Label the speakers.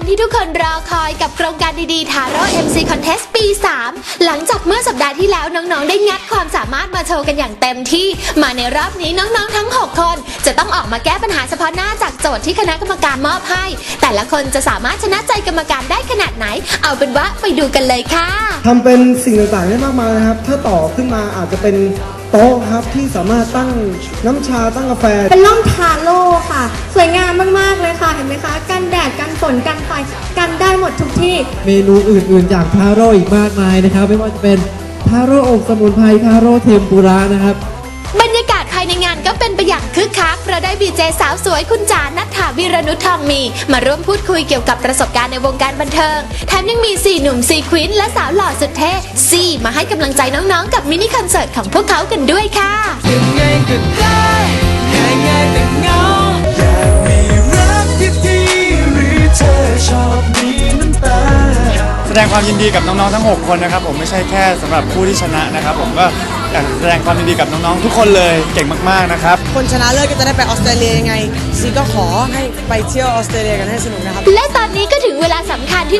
Speaker 1: ที่ทุกคนรอคอยกับโครงการดีๆ Taro MC Contest ปี 3 หลังจากเมื่อสัปดาห์ที่แล้วน้องๆได้งัดความสามารถมาโชว์กันอย่างเต็มที่มาในรอบนี้น้องๆทั้ง 6 คนจะต้องออกมาแก้ปัญหาเฉพาะหน้าจากโจทย์ที่คณะกรรมการมอบให้แต่ละคนจะสามารถชนะใจกรรมการได้ขนาดไหนเอาเป็นว่าไปดูกันเลยค่ะ
Speaker 2: ทำเป็นสิ่งต่างๆได้มากมายนะครับถ้าต่อขึ้นมาอาจจะเป็นโต๊ะครับที่สามารถตั้งน้ำชาตั้งกาแฟ
Speaker 3: เป็นร่มทาโร่ค่ะสวยงามมากๆเลยค่ะเห็นไหมคะกันแดดกันฝนกันไฟกันได้หมดทุกที่
Speaker 4: เมนูอื่นๆจากทาโร่อีกมากมายนะครับไม่ว่าจะเป็นทาโร่อบสมุนไพรทาโร่เทมปุระนะครับ
Speaker 1: บรรยากาศภายในงานก็เป็นไปอย่างคึกคักเพราะได้บีเจสาวสวยคุณจานัทธาวีรนุชทองมีมาร่วมพูดคุยเกี่ยวกับประสบการณ์ในวงการบันเทิงแถมยังมี4หนุ่ม4ควีนและสาวหล่อสุดเท่ซี่มาให้กำลังใจน้องๆกับมินิคอนเสิร์ตของพวกเขากันด้วยค่ะ
Speaker 5: ยังไงก็ได้ง่ายๆแต่เงาอยากมีรักที่ดีหรือเธอชอบมีน้ำตา
Speaker 6: แสดงความยินดีกับน้องๆทั้ง6คนนะครับผมไม่ใช่แค่สำหรับผู้ที่ชนะนะครับผมก็อยากแสดงความยินดีกับน้องๆทุกคนเลยเก่งมากๆนะครับ
Speaker 7: คนชนะเลิศก็จะได้ไปออสเตรเลียยังไงซีก็ขอให้ไปเที่ยวออสเตรเลียกันให้สนุกนะครับ
Speaker 1: และตอนนี้ก็ถึงเวลาสำคัญที่